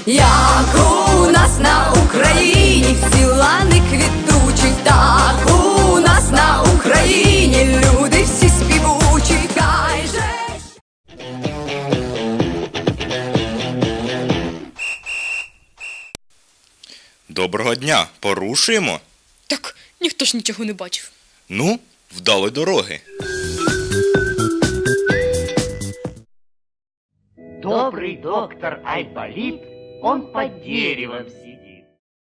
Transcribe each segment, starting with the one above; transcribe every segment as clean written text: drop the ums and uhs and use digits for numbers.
як у нас на Україні, всі лани квітучі, так у нас на Україні, люди всі співучі, хай же. Доброго дня, порушуємо? Так, ніхто ж нічого не бачив. Ну, вдалої дороги. Добрый доктор Айболит, он под деревом сидит.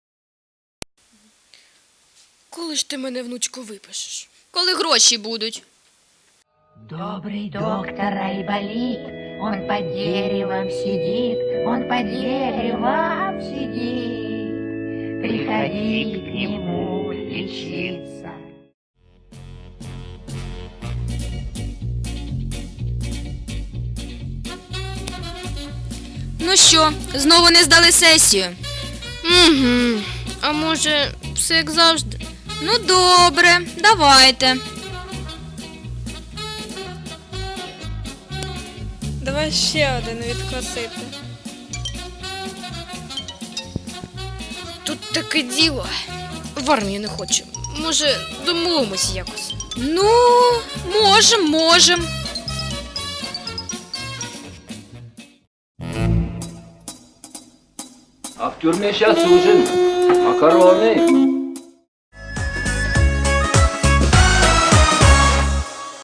Коли ж ти мене, внучко, випишеш? Коли гроші будуть? Добрый доктор Айболит, он под деревом сидит, он под деревом сидит. Приходи к нему лечиться. Ну що, знову не здали сесію? Угу. А може, все як завжди? Ну добре, давайте. Давай ще один відкосити. Тут таке діло. В армію не хочу. Може, домовимось якось? Ну, можем. А в тюрьме сейчас ужин, макароны.